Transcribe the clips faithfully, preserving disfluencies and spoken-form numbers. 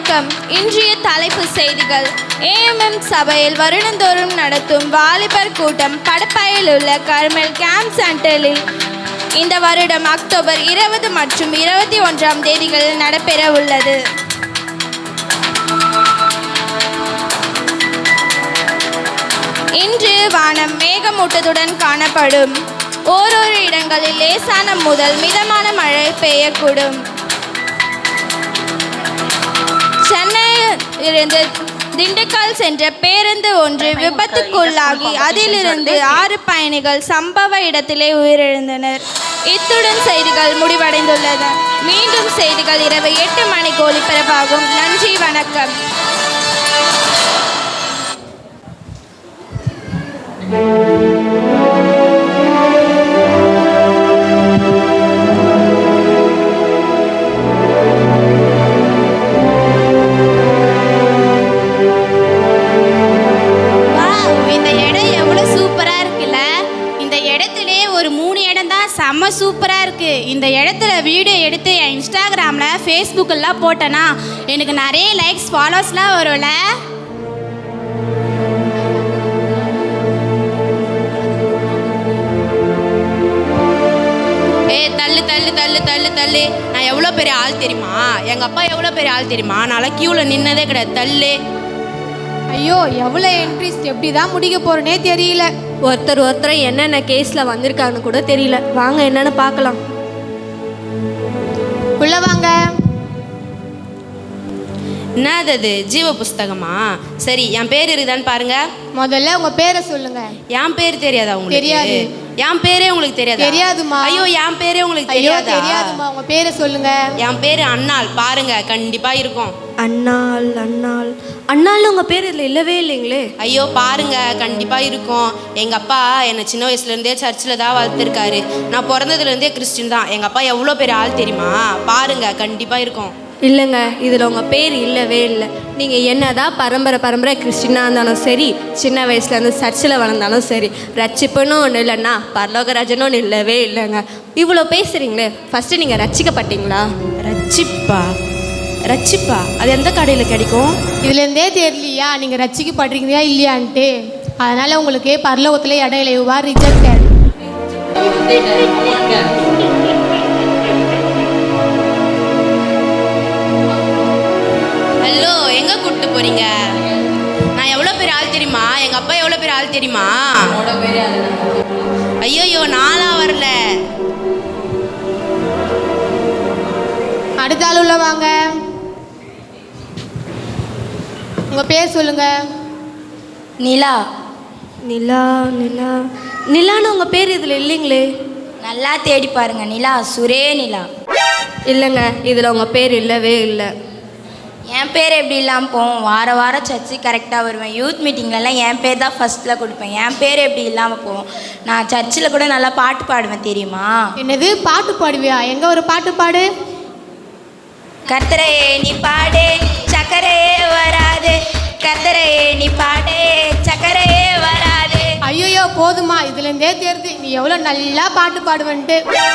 வணக்கம். இன்றைய தலைப்பு செய்திகள். ஏஎம்எம் சபையில் வருடந்தோறும் நடத்தும் வாலிபர் கூட்டம் படப்பையில் உள்ள கர்மல் கேம்ப் சென்டரில் இந்த வருடம் அக்டோபர் இருபது மற்றும் இருபத்தி ஒன்றாம் தேதிகளில் நடைபெற உள்ளது. இன்று வானம் மேகமூட்டத்துடன் காணப்படும். ஓரிரு இடங்களில் லேசான முதல் மிதமான மழை பெய்யக்கூடும். சென்னையில் இருந்து திண்டுக்கல் சென்ற பேருந்து ஒன்று விபத்துக்குள்ளாகி அதிலிருந்து ஆறு பயணிகள் சம்பவ இடத்திலே உயிரிழந்தனர். இத்துடன் செய்திகள் முடிவடைந்துள்ளன. மீண்டும் செய்திகள் இரவு எட்டு மணிக்கு ஒளிபரப்பாகும். நன்றி, வணக்கம். செம்ம சூப்பராக இருக்குது. இந்த இடத்துல வீடியோ எடுத்து என் இன்ஸ்டாகிராமில் ஃபேஸ்புக்கெல்லாம் போட்டேன்னா எனக்கு நிறைய லைக்ஸ் ஃபாலோஸ்லாம் வரும்ல. ஏ தள்ளு தள்ளு தள்ளு தள்ளு தள்ளு நான் எவ்வளோ பெரிய ஆள் தெரியுமா? எங்கள் அப்பா எவ்வளோ பெரிய ஆள் தெரியுமா? நான்லாம் க்யூவில் நின்னதே கிடையாது. தள்ளு. ஐயோ, எவ்வளோ இன்ட்ரெஸ்ட், எப்படி தான் முடிக்க போகிறேனே தெரியல. ஒருத்தர் ஒருத்தர் என்னென்ன கேஸில் வந்திருக்காங்கன்னு கூட தெரியல. வாங்க என்னென்னு பார்க்கலாம். உள்ள வாங்க. என்னது அது? ஜீவ புஸ்தகமா? சரி, என் பேர் இருக்குதான்னு பாருங்க. முதல்ல உங்க பேரை சொல்லுங்க. என் பேர் தெரியாதா உங்களுக்கு? தெரியாது. என் பேரே உங்களுக்கு தெரியாதா? தெரியாதுமா. ஐயோ, என் பேரே உங்களுக்கு ஐயோ தெரியாதா? தெரியாதுமா. உங்க பேரை சொல்லுங்க. என் பேரு அண்ணாள். பாருங்க, கண்டிப்பா இருக்கும். அண்ணாள் அண்ணாள் அண்ணாள் உங்கள் பேர் இதில் இல்லவே இல்லைங்களே. ஐயோ பாருங்க, கண்டிப்பா இருக்கும். எங்க அப்பா என்னை சின்ன வயசுல இருந்தே சர்ச்சில் தான் வளர்த்துருக்காரு. நான் பிறந்ததுல இருந்தே கிறிஸ்டின் தான். எங்க அப்பா எவ்வளோ பெரிய ஆள் தெரியுமா? பாருங்க, கண்டிப்பா இருக்கும். இல்லைங்க, இதில் உங்கள் பேர் இல்லவே இல்லை. நீங்கள் என்னதான் பரம்பரை பரம்பரை கிறிஸ்டினாக இருந்தாலும் சரி, சின்ன வயசுலேருந்து சர்ச்சில் வளர்ந்தாலும் சரி, ரட்சிப்புன்னு ஒன்று இல்லைன்னா பரலோகராஜன்னு ஒன்று இல்லவே இல்லைங்க. இவ்வளோ பேசுகிறீங்களே, ஃபஸ்ட்டு நீங்கள் ரட்சிக்கப்பட்டீங்களா? ரட்சிப்பா? ரட்சிப்பா அது எந்த கடையில் கிடைக்கும்? இதுலேருந்தே தெரியலையா நீங்கள் ரட்சிக்கப்படுறீங்களா இல்லையான்ட்டு? அதனால் உங்களுக்கு பரலோகத்தில் இடம் இல்லை. You are rejected. ஹலோ, எங்கே கூப்பிட்டு போகிறீங்க? நான் எவ்வளோ பெரிய ஆள் தெரியுமா? எங்கள் அப்பா எவ்வளோ பெரிய ஆள் தெரியுமா? ஐயோயோ, நாளாக வரல. அடுத்த ஆள் உள்ள வாங்க. உங்கள் பேர் சொல்லுங்க. நிலா. நிலா நிலா நிலான்னு உங்கள் பேர் இதில் இல்லைங்களே. நல்லா தேடி பாருங்க. நிலா, சுரே நிலா. இல்லைங்க, இதில் உங்கள் பேர் இல்லவே இல்லை. என் பேர் எப்படி இல்லாமல் போவோம்? வார வாரம் சர்ச்சு கரெக்டாக வருவேன். யூத் மீட்டிங்லலாம் என் பேர் தான் ஃபஸ்ட்டில் கொடுப்பேன். என் பேர் எப்படி இல்லாமல் போவோம்? நான் சர்ச்சில் கூட நல்லா பாட்டு பாடுவேன், தெரியுமா? என்னது, பாட்டு பாடுவியா? எங்கே ஒரு பாட்டு பாடு. கர்த்தரையே நீ பாடு, சக்கரையே வராது. கர்த்தரையே நீ பாடு, சக்கரையே வராது. ஐயோயோ போதுமா, இதுலேருந்தே தெரியுது நீ எவ்வளோ நல்லா பாட்டு பாடுவேன்ட்டு.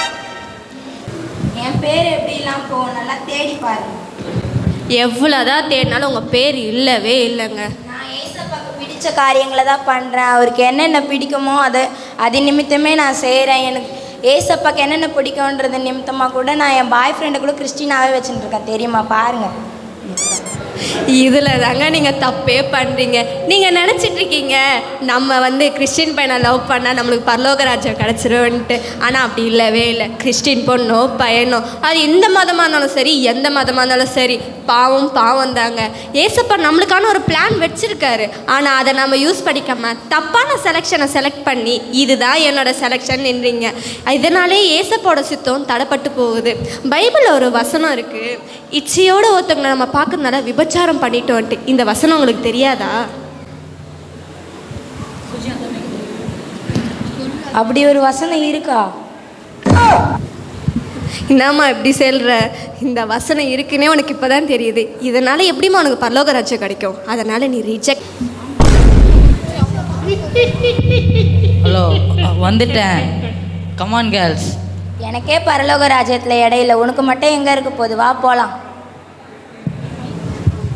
என் பேர் எப்படி இல்லாமல் போவோம்? நல்லா தேடி பாருங்க. எவ்வளோதான் தேடினாலும் உங்கள் பேர் இல்லவே இல்லைங்க. நான் ஏசப்பாக்கு பிடிச்ச காரியங்களை தான் பண்ணுறேன். அவருக்கு என்னென்ன பிடிக்குமோ அதை அது நிமித்தமே நான் செய்கிறேன். எனக்கு ஏசப்பாக்கு என்னென்ன பிடிக்கும்ன்றது நிமித்தமாக கூட நான் என் பாய் ஃப்ரெண்டை கூட கிறிஸ்டினாவே வச்சுட்டு இருக்கேன், தெரியுமா? பாருங்கள். இதில் தாங்க நீங்கள் தப்பே பண்ணுறீங்க. நீங்கள் நினச்சிட்ருக்கீங்க நம்ம வந்து கிறிஸ்டின் பையனை லவ் பண்ணால் நம்மளுக்கு பரலோகராஜ்யம் கிடச்சிருன்ட்டு. ஆனால் அப்படி இல்லவே இல்லை. கிறிஸ்டின் பொண்ணோ பையனோ, அது எந்த மதமாக இருந்தாலும் சரி, எந்த மதமாக இருந்தாலும் சரி, பாவம் பாவம் தாங்க. ஏசப்பா நம்மளுக்கான ஒரு பிளான் வச்சுருக்காரு. ஆனால் அதை நம்ம யூஸ் பண்ணிக்காமல் தப்பான செலெக்ஷனை செலக்ட் பண்ணி இதுதான் என்னோடய செலெக்ஷன் நின்றீங்க. இதனாலே ஏசப்போட சித்தம் தடைப்பட்டு போகுது. பைபிளில் ஒரு வசனம் இருக்குது, இச்சையோட ஒருத்தவங்களை நம்ம பார்க்கறதுனால விபச்சாரம் பண்ணிட்டோன்ட்டு. இந்த வசனம் உங்களுக்கு தெரியாதா? அப்படி ஒரு வசனம் இருக்கா? என்னம்மா இப்படி சொல்கிற? இந்த வசனம் இருக்குன்னே உனக்கு இப்போ தான் தெரியுது. இதனால் எப்படிம்மா உனக்கு பரலோக ராஜ்யம் கிடைக்கும்? அதனால் நீ ரிஜெக்ட். ஹலோ, வந்துட்டேன். Come on girls. எனக்கே பரலோக ராஜ்யத்தில் இடையில, உனக்கு மட்டும் எங்கே இருக்க போகுது? வா போகலாம்.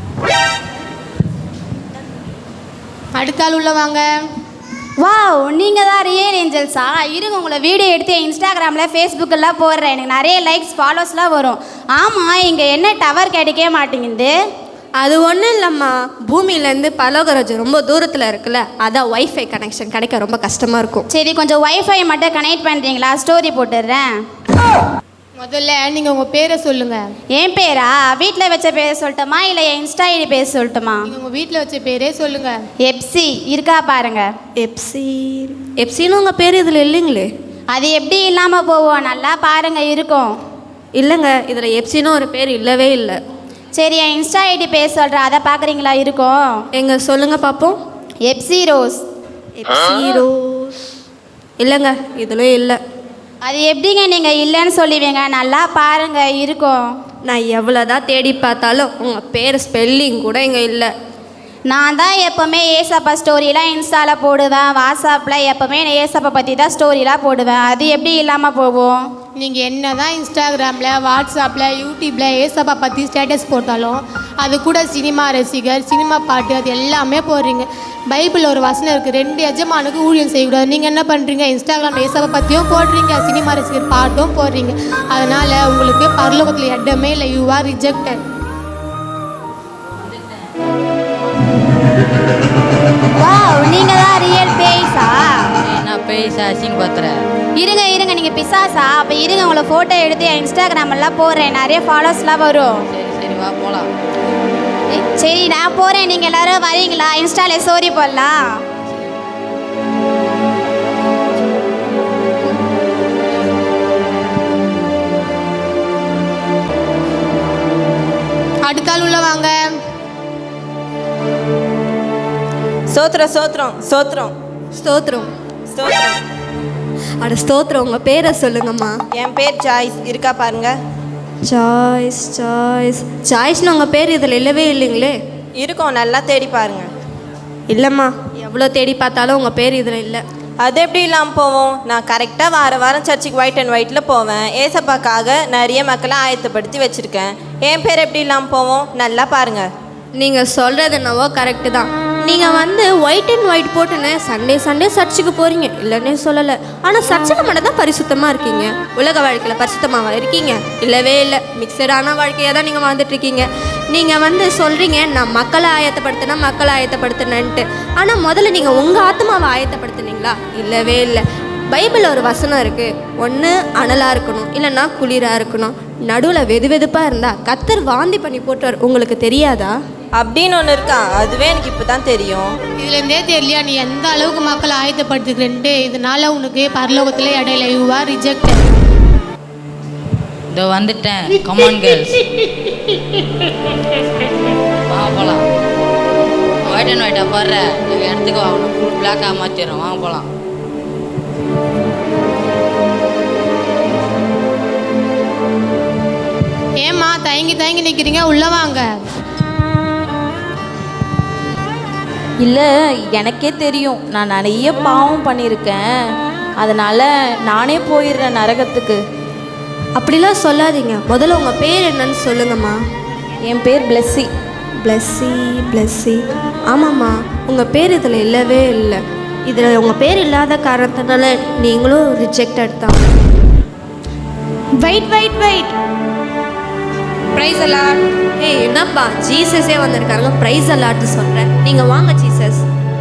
அடுத்த ஆள் உள்ள வாங்க. வாவ், நீங்கள் தான் ரியல் ஏஞ்சல்ஸா? இருங்க, உங்களை வீடியோ எடுத்து இன்ஸ்டாகிராமில் ஃபேஸ்புக்கெல்லாம் போடுறேன். எனக்கு நிறைய லைக்ஸ் ஃபாலோஸ்லாம் வரும். ஆமாம், இங்கே என்ன டவர் கிடைக்கவே மாட்டேங்குது? அது ஒன்றும் இல்லைம்மா, பூமியிலேருந்து பரலோகராஜ்யம் ரொம்ப தூரத்தில் இருக்குல்ல, அதான் ஒய்ஃபை கனெக்ஷன் கிடைக்க ரொம்ப கஷ்டமாக இருக்கும். சரி, கொஞ்சம் ஒய்ஃபை மட்டும் கனெக்ட் பண்ணுறீங்களா? ஸ்டோரி போட்டுடுறேன். முதல்ல நீங்கள் உங்கள் பேரை சொல்லுங்கள். என் பேரா? வீட்டில் வச்ச பேரை சொல்லட்டுமா இல்லை என் இன்ஸ்டா ஐடி பேர் சொல்லட்டுமா? நீங்கள் உங்கள் வீட்டில் வச்ச பேரே சொல்லுங்கள். எப்சி இருக்கா பாருங்க. எப்சி எப்சின்னு உங்கள் பேர் இதில் இல்லைங்களே. அது எப்படி இல்லாமல் போவோம்? நல்லா பாருங்க, இருக்கும். இல்லைங்க, இதில் எப்சின்னு ஒரு பேர் இல்லவே இல்லை. சரி, என் இன்ஸ்டா ஐடி பேர் சொல்கிறேன், அதை பார்க்குறீங்களா? இருக்கும். எங்க சொல்லுங்கள் பார்ப்போம். FC rose. எப்சி ரோஸ் இல்லைங்க, இதில் இல்லை. அது எப்படிங்க நீங்கள் இல்லைன்னு சொல்லுவீங்க? நல்லா பாருங்க, இருக்கும். நான் எவ்வளோதான் தேடி பார்த்தாலும் உங்கள் பேர் ஸ்பெல்லிங் கூட இங்கே இல்லை. நான் தான் எப்போவுமே ஏசப்பா ஸ்டோரிலாம் இன்ஸ்டாவில் போடுவேன், வாட்ஸ்அப்பில் எப்போவுமே ஏசப்பா பற்றி தான் ஸ்டோரிலாம் போடுவேன். அது எப்படி இல்லாமல் போகும்? நீங்கள் என்ன தான் இன்ஸ்டாகிராமில், வாட்ஸ்அப்பில், யூடியூப்பில் ஏசப்பா பற்றி ஸ்டேட்டஸ் போட்டாலும் அது கூட சினிமா ரசிகர், சினிமா பாட்டு அது எல்லாமே போடுறீங்க. பைபிளில் ஒரு வசனம் இருக்குது, ரெண்டு எஜமானுக்கு ஊழியம் செய்யக்கூடாது. நீங்கள் என்ன பண்ணுறீங்க? இன்ஸ்டாகிராமில் ஏசப்பா பற்றியும் போடுறீங்க, சினிமா ரசிகர் பாட்டும் போடுறீங்க. அதனால் உங்களுக்கு பரலோகத்தில் இடமே இல்லை. You are rejected. வாவ், நீங்கள் தான் ரியல் பேய்ஸா? நான் பேச அசிங்க பார்த்துறேன். இருங்க இருங்க, நீங்கள் பிசாசா? அப்போ இருங்க, உங்களை ஃபோட்டோ எடுத்து என் இன்ஸ்டாகிராமெல்லாம் போடுறேன், நிறைய ஃபாலோஸ்லாம் வரும். சரி சரி வா போகலாம். சரி, நான் போகிறேன், நீங்கள் எல்லோரும் வரீங்களா? இன்ஸ்டாவில் ஸ்டோரி போடலாம். அடுத்த ஆள் உள்ள வாங்க. சோத்ரம் சோத்ரம் சோத்ரம் ஸ்தோத்திரம் ஸ்தோத்ரம். அட ஸ்தோத்திரம், உங்கள் பேரை சொல்லுங்கம்மா. என் பேர் ஜாய்ஸ், இருக்கா பாருங்க. சாய்ஸ் சாய்ஸ் சாய்ஸ்னு உங்கள் பேர் இதில் இல்லவே இல்லைங்களே. இருக்கும், நல்லா தேடி பாருங்க. இல்லைம்மா, எவ்வளோ தேடி பார்த்தாலும் உங்கள் பேர் இதில் இல்லை. அது எப்படி இல்லாமல் போவோம்? நான் கரெக்டாக வார வாரம் சர்ச்சுக்கு ஒயிட் அண்ட் ஒயிட்டில் போவேன். ஏசப்பாக்காக நிறைய மக்களை ஆயத்தப்படுத்தி வச்சுருக்கேன். என் பேர் எப்படி இல்லாமல் போவோம்? நல்லா பாருங்கள். நீங்கள் சொல்கிறது என்னவோ கரெக்டு தான். நீங்கள் வந்து ஒயிட் அண்ட் ஒயிட் போட்டுன்னு சண்டே சண்டே சர்ச்சுக்கு போகிறீங்க, இல்லைன்னே சொல்லலை. ஆனால் சர்ச்சில் மட்டும் தான் பரிசுத்தமாக இருக்கீங்க. உலக வாழ்க்கையில் பரிசுத்தமாக இருக்கீங்க? இல்லவே இல்லை. மிக்சடான வாழ்க்கையாக தான் நீங்கள் வாழ்ந்துட்டுருக்கீங்க. நீங்கள் வந்து சொல்கிறீங்க நான் மக்களை ஆயத்தப்படுத்தினா மக்களை ஆயத்தப்படுத்தினேன்ட்டு. ஆனால் முதல்ல நீங்கள் உங்கள் ஆத்மாவை ஆயத்தப்படுத்துனீங்களா? இல்லவே இல்லை. பைபிளில் ஒரு வசனம் இருக்குது, ஒன்று அனலாக இருக்கணும் இல்லைன்னா குளிராக இருக்கணும், நடுவில் வெது வெதுப்பாக இருந்தால் கத்தர் வாந்தி பண்ணி போட்டுவார். உங்களுக்கு தெரியாதா? அப்படின்னு ஒன்று இருக்கா? அதுவே எனக்கு இப்போ தான் தெரியும். இதுலேருந்தே தெரியலையா நீ எந்த அளவுக்கு மக்களை ஆயத்தப்படுத்துக்கிறேன்ட்டு? இதனால உனக்கு பரலோகத்தில் இடையில. You are rejected. இதோ வந்துட்டேன். கமான் கேர்ள்ஸ் வா போகலாம். ஒயிட் அண்ட் ஒயிட்டாக பாடுற எங்கள் இடத்துக்கு வாங்கணும். ஃபுல் பிளாக்காக மாற்றிடுறோம். வாங்க போகலாம். ஏம்மா தயங்கி தயங்கி நிற்கிறீங்க? உள்ளே வாங்க. இல்லை, எனக்கே தெரியும் நான் நிறைய பாவம் பண்ணியிருக்கேன், அதனால் நானே போயிடுறேன் நரகத்துக்கு. அப்படிலாம் சொல்லாதீங்க. முதல்ல உங்கள் பேர் என்னன்னு சொல்லுங்கம்மா. என் பேர் பிளெஸ்ஸி. பிளெஸ்ஸி பிளெஸ்ஸி ஆமாம்மா, உங்கள் பேர் இதில் இல்லவே இல்லை. இதில் உங்கள் பேர் இல்லாத காரணத்தினால நீங்களும் ரிஜெக்டட் தான். வெயிட் வெயிட் வெயிட் ப்ரைஸ் எல்லாம். ஏய் என்னப்பா, ஜீசஸே வந்திருக்காங்க, ப்ரைஸ் அலாட்டு சொல்கிறேன். நீங்கள் வாங்க ஜீசஸ்.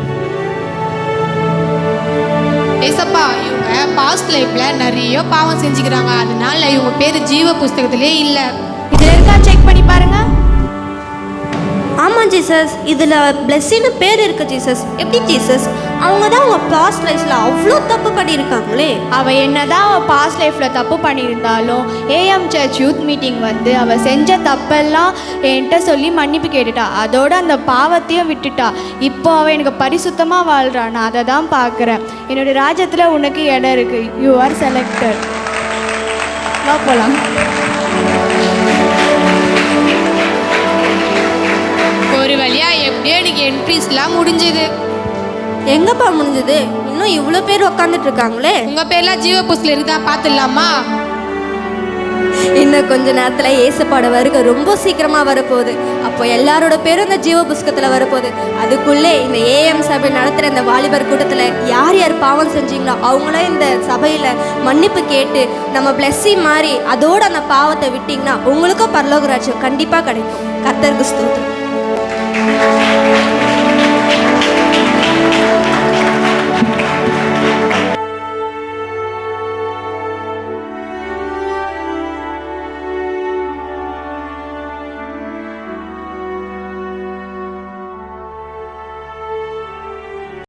ஏசப்பா, இவங்க பாஸ்ட் லைஃப்பில் நிறைய பாவம் செஞ்சுக்கிறாங்க, அதனால இவங்க பேர் ஜீவ புஸ்தகத்திலே இல்லை. இதில் இருக்கா செக் பண்ணி பாருங்க. ஆமாம் ஜீசஸ், இதில் பிளெஸ்ஸின்னு பேர் இருக்குது ஜீசஸ். எப்படி ஜீசஸ்? அவங்க தான் அவங்க பாஸ்ட் லைஃப்பில் அவ்வளோ தப்பு பண்ணியிருக்காங்களே. அவள் என்னதான் அவள் பாஸ்ட் லைஃப்பில் தப்பு பண்ணியிருந்தாலும் ஏஎம் சர்ச் யூத் மீட்டிங் வந்து அவள் செஞ்ச தப்பெல்லாம் என்கிட்ட சொல்லி மன்னிப்பு கேட்டுட்டா. அதோட அந்த பாவத்தையும் விட்டுட்டா. இப்போ அவள் எனக்கு பரிசுத்தமாக வாழ்கிறா. நான் அதை தான் பார்க்குறேன். என்னுடைய ராஜ்யத்தில் உனக்கு இடம் இருக்குது. You are selected. வா போகலாம். ஒரு வழியா எப்படியோ எனக்கு என்ட்ரிஸ்லாம் முடிஞ்சது. எங்கப்பா முடிஞ்சது? இன்னும் இவ்வளோ பேர் உக்காந்துட்டு இருக்காங்களே. உங்கள் பேர்லாம் ஜீவ புஸ்தகம் இருக்குதா? பார்த்துடலாமா? இன்னும் கொஞ்ச நேரத்தில் ஏசப்பாட வருகை ரொம்ப சீக்கிரமாக வரப்போகுது. அப்போ எல்லாரோட பேரும் இந்த ஜீவ புஸ்தகத்தில் வரப்போகுது. அதுக்குள்ளே இந்த ஏஎம் சபை நடத்துகிற இந்த வாலிபர் கூட்டத்தில் யார் யார் பாவம் செஞ்சீங்களோ அவங்களும் இந்த சபையில் மன்னிப்பு கேட்டு நம்ம பிளஸ்ஸி மாதிரி அதோட அந்த பாவத்தை விட்டிங்கன்னா உங்களுக்கும் பரலோக ராஜ்யம் கண்டிப்பாக கிடைக்கும். கர்த்தருக்கு ஸ்தோத்திரம்.